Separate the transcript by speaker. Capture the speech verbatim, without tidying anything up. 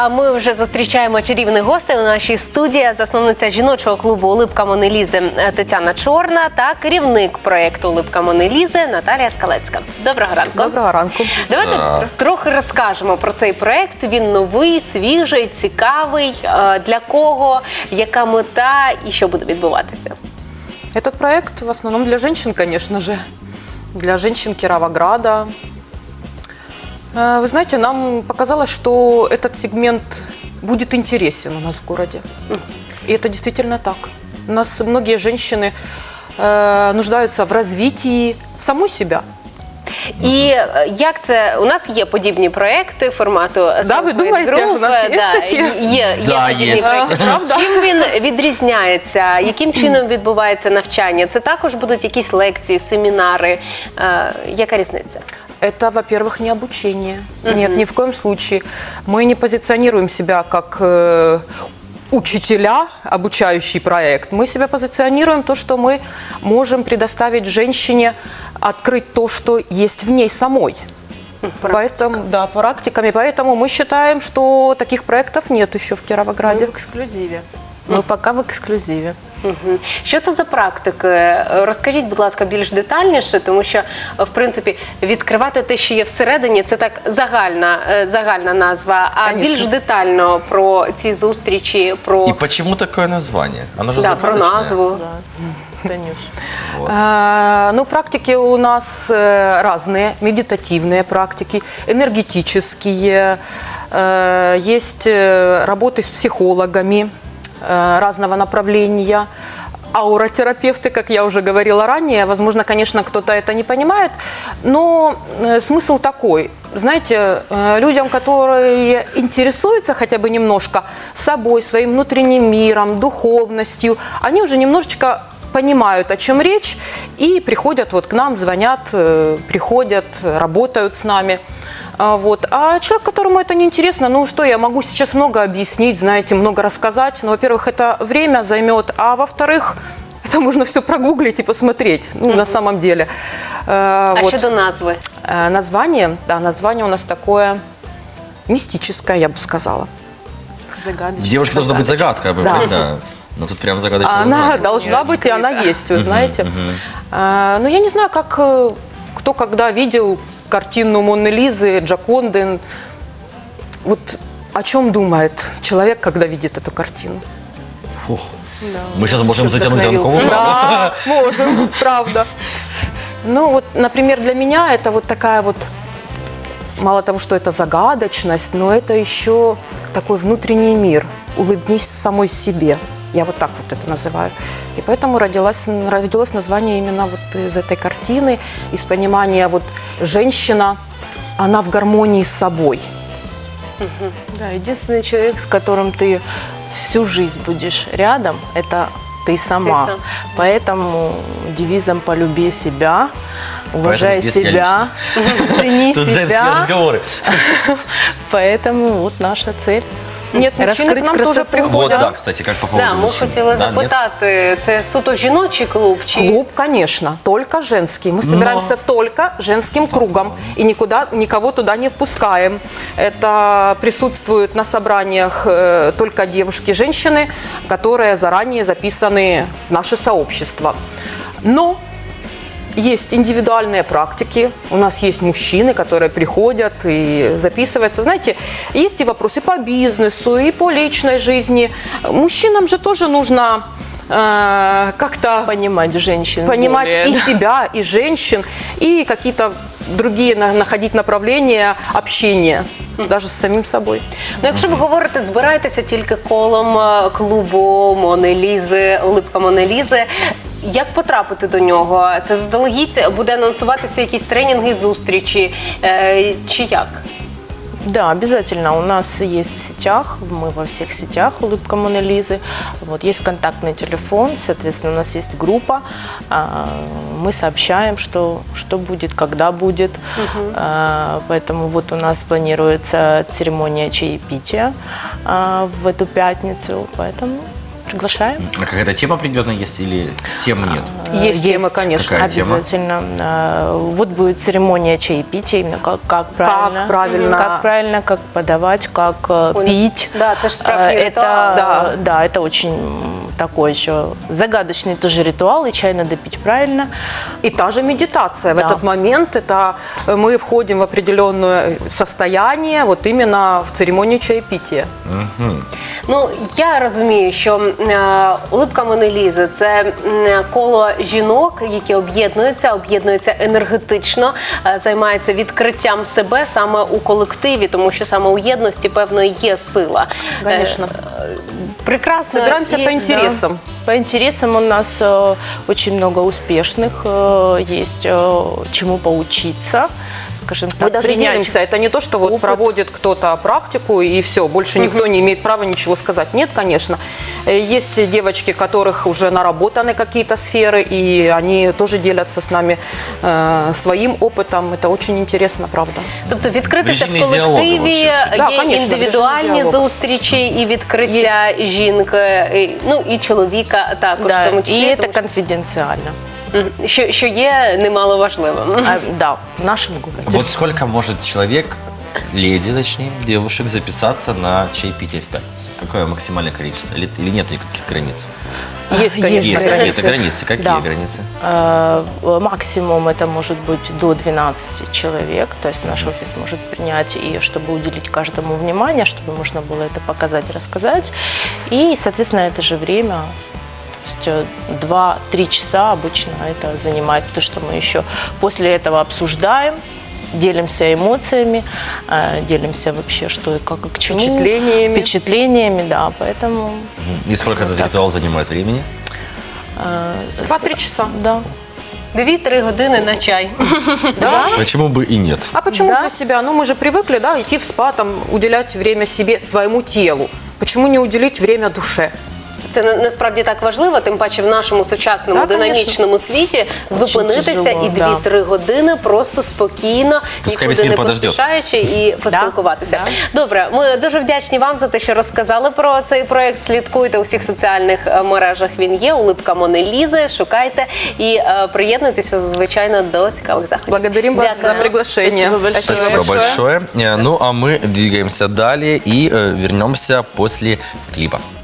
Speaker 1: А ми вже зустрічаємо чарівних гостей у нашій студії. Засновниця жіночого клубу «Улыбка Мони Лізи» Тетяна Чорна та керівник проєкту «Улыбка Мони Лізи» Наталія Скалецька. Доброго ранку.
Speaker 2: Доброго ранку.
Speaker 1: Давайте а... трохи розкажемо про цей проєкт. Він новий, свіжий, цікавий. Для кого, яка мета і що буде відбуватися?
Speaker 2: Этот проект в основном для женщин, конечно же. Для женщин Кировограда. Вы знаете, нам показалось, что этот сегмент будет интересен у нас в городе. И это действительно так. У нас многие женщины э, нуждаются в развитии самой себя.
Speaker 1: І як це, у нас є подібні проекти формату
Speaker 2: Да, ви думаєте,
Speaker 1: Group,
Speaker 2: у нас є
Speaker 1: да,
Speaker 2: такі?
Speaker 1: Є, є
Speaker 3: Да,
Speaker 1: подібні
Speaker 3: є.
Speaker 1: проекти.
Speaker 2: Правда?
Speaker 1: Чим він відрізняється? Яким чином відбувається навчання? Це також будуть якісь лекції, семінари? Е, яка різниця?
Speaker 2: Это, во-первых, не обучение. Uh-huh. Нет, ни в коем случае. Мы не позиционируем себя как э, учителя, обучающий проект. Мы себя позиционируем то, что мы можем предоставить женщине открыть то, что есть в ней самой. Поэтому, да, практиками. Поэтому мы считаем, что таких проектов нет еще в Кировограде.
Speaker 4: Мы в эксклюзиве. Мы пока в ексклюзиві.
Speaker 1: Угу. Що це за практики? Розкажіть, будь ласка, більш детальніше, тому що, в принципі, відкривати те, що є всередині, це так загальна, загальна назва, а
Speaker 2: Конечно.
Speaker 1: більш детально про ці зустрічі, про...
Speaker 3: И почему такое название? Оно же
Speaker 1: да, про
Speaker 3: загадочное.
Speaker 1: назву.
Speaker 4: Да, Танюш.
Speaker 3: Вот.
Speaker 2: А, ну, практики у нас э, разные, медитативные практики, энергетические, э, есть э, работы с психологами э, разного направления, ауротерапевты, как я уже говорила ранее. Возможно, конечно, кто-то это не понимает, но э, смысл такой. Знаете, э, людям, которые интересуются хотя бы немножко собой, своим внутренним миром, духовностью, они уже немножечко понимают, о чем речь, и приходят вот к нам, звонят, приходят, работают с нами. Вот. А человек, которому это не интересно, ну что, я могу сейчас много объяснить, знаете, много рассказать. Но, во-первых, это время займет, а во-вторых, это можно все прогуглить и посмотреть, ну, на самом деле.
Speaker 1: А
Speaker 2: Вот.
Speaker 1: щодо назви?
Speaker 2: Название, да, название у нас такое мистическое, я бы сказала.
Speaker 4: Загадочная.
Speaker 3: Девушка должна быть загадка,
Speaker 2: Да.
Speaker 3: да. Но тут прям загадочное
Speaker 2: Она
Speaker 3: название.
Speaker 2: должна быть, и она есть, вы знаете. А, ну, я не знаю, как э, кто когда видел картину Моны Лизы, Джоконды. Вот о чем думает человек, когда видит эту картину?
Speaker 3: Фух.
Speaker 4: Да,
Speaker 3: Мы сейчас можем
Speaker 4: что
Speaker 3: затянуть
Speaker 4: вдохновился.
Speaker 3: ранковую
Speaker 2: Да, можем, правда. Ну, вот, например, для меня это вот такая вот, мало того, что это загадочность, но это еще такой внутренний мир. Улыбнись самой себе. Я вот так вот это называю. И поэтому родилось, родилось название именно вот из этой картины, из понимания вот женщина, она в гармонии с собой.
Speaker 4: Да, единственный человек, с которым ты всю жизнь будешь рядом, это ты сама.
Speaker 1: Ты сам.
Speaker 4: Поэтому девизом «полюби себя», уважай
Speaker 3: здесь я
Speaker 4: себя, цени
Speaker 3: Тут женские
Speaker 4: себя.
Speaker 3: разговоры.
Speaker 4: Поэтому вот наша цель.
Speaker 2: Нет, мужчины к
Speaker 4: Раскрыть
Speaker 2: нам тоже
Speaker 4: красоту.
Speaker 2: приходят.
Speaker 3: Вот, да, кстати, как по поводу
Speaker 1: Да, ми
Speaker 3: мужчин.
Speaker 1: хотіли
Speaker 3: Да, нет?
Speaker 1: запитати, це суто жіночий клуб? Чи...
Speaker 2: Клуб, конечно, только женский. Мы собираемся только женским кругом и никуда, никого туда не впускаем. Это присутствуют на собраниях э, только девушки, женщины, которые заранее записаны в наше сообщество. Но есть индивидуальные практики, у нас есть мужчины, которые приходят и записываются. Знаете, есть и вопросы по бизнесу, и по личной жизни. Мужчинам же тоже нужно э, как-то
Speaker 4: Понимать женщин.
Speaker 2: понимать
Speaker 4: более,
Speaker 2: и
Speaker 4: да.
Speaker 2: себя, и женщин, и какие-то другие на- находить направления общения, даже с самим собой.
Speaker 1: Ну, якщо ви говорите, збираєтеся тільки колом е, клубу Мони Лізи, «Улыбка Мони Лізи», як потрапити до нього? Це заздалегідь буде анонсуватися якісь тренінги, зустрічі, е, чи як?
Speaker 4: Да, обязательно. У нас есть в сетях, мы во всех сетях «Улыбка Моны Лизы». Вот, есть контактный телефон, соответственно, у нас есть группа. А, мы сообщаем, что, что будет, когда будет.
Speaker 1: Угу.
Speaker 4: А, поэтому вот у нас планируется церемония чаепития а, в эту пятницу. Поэтому Приглашаем.
Speaker 3: А какая-то тема определенная есть или тем нет?
Speaker 2: Есть темы, конечно.
Speaker 3: Какая тема?
Speaker 4: Обязательно. Э, Вот будет церемония чаепития, именно как, как правильно.
Speaker 2: правильно.
Speaker 4: Как правильно, как подавать, как э,
Speaker 1: Ой,
Speaker 4: пить.
Speaker 1: да, это ж справжний
Speaker 4: Э,
Speaker 1: ритуал.
Speaker 4: Это,
Speaker 2: Да.
Speaker 4: да, это очень такой еще загадочный тоже ритуал, и чай надо пить правильно.
Speaker 2: И та же медитация. В
Speaker 4: Да.
Speaker 2: этот момент это мы входим в определенное состояние, вот именно в церемонию чаепития.
Speaker 1: Ну, я розумію, що е, улипка Монелізи – це м, коло жінок, які об'єднуються, об'єднуються енергетично, е, займаються відкриттям себе саме у колективі, тому що саме у єдності, певно, є сила. Е,
Speaker 2: Конечно.
Speaker 1: Прекрасно.
Speaker 2: Собираемся
Speaker 1: І-
Speaker 2: по интересам.
Speaker 4: По интересам у нас э, очень много успешных, э, есть э, чему поучиться, скажем так.
Speaker 2: Мы даже
Speaker 4: принять.
Speaker 2: делимся. Это не то, что вот
Speaker 4: опыт.
Speaker 2: проводит кто-то практику и все, больше никто не имеет права ничего сказать. Нет, конечно. Э, Есть девочки, у которых уже наработаны какие-то сферы, и они тоже делятся с нами э, своим опытом. Это очень интересно, правда.
Speaker 1: Тобто відкритися в
Speaker 3: Режимний діалог
Speaker 1: колективі,
Speaker 3: виходить.
Speaker 1: є
Speaker 2: Да, конечно,
Speaker 1: індивідуальні
Speaker 2: режимний діалог.
Speaker 1: зустрічі і відкриття жінки, і, ну і чоловіка також, в
Speaker 4: Да,
Speaker 1: тому
Speaker 4: и
Speaker 1: числі,
Speaker 4: это
Speaker 1: тому що-
Speaker 4: конфиденциально.
Speaker 1: Мгм. що, що є немало важливим.
Speaker 4: А, да, в нашем городе.
Speaker 3: Вот сколько может человек, леди, точнее, девушек, записаться на чаепитие в пятницу? Какое максимальное количество? Или, или нет никаких границ?
Speaker 2: Есть, конечно,
Speaker 3: Есть
Speaker 4: границы.
Speaker 3: какие-то границы. Какие
Speaker 4: Да.
Speaker 3: границы?
Speaker 4: Э, Максимум это может быть до двенадцати человек, то есть наш офис может принять, и чтобы уделить каждому внимание, чтобы можно было это показать, рассказать. И, соответственно, это же время, то есть два-три часа обычно это занимает, потому что мы еще после этого обсуждаем, делимся эмоциями, э, делимся вообще, что и как и к чему.
Speaker 2: Впечатлениями.
Speaker 4: Впечатлениями, да, поэтому...
Speaker 3: И сколько этот ритуал занимает времени?
Speaker 4: э,
Speaker 2: Два-три часа.
Speaker 4: Да.
Speaker 1: Дві-три години на чай.
Speaker 3: Почему бы и нет?
Speaker 2: А почему
Speaker 4: Да.
Speaker 2: для себя? Ну, мы же привыкли, да, идти в спа, там, уделять время себе, своему телу. Почему не уделить время душе?
Speaker 1: Це на- насправді так важливо, тим паче в нашому сучасному
Speaker 2: Да, конечно.
Speaker 1: динамічному світі зупинитися
Speaker 4: тяжело,
Speaker 1: і
Speaker 4: да.
Speaker 1: дві-три години просто спокійно,
Speaker 3: Пускай весь
Speaker 1: нікуди
Speaker 3: мир
Speaker 1: не
Speaker 3: подождет.
Speaker 1: поспішаючи і поспілкуватися. Добре, ми дуже вдячні вам за те, що розказали про цей проект. Слідкуйте у всіх соціальних е, мережах. Він є. Улипка Монелізи. Шукайте і е, приєднуйтеся, звичайно, до цікавих заходів.
Speaker 2: Благодарим вас за
Speaker 1: Дякую.
Speaker 2: приглашение.
Speaker 4: Спасибо большое.
Speaker 3: Спасибо большое. Э, Ну, а мы двигаемся далее и э, вернемся после клипа.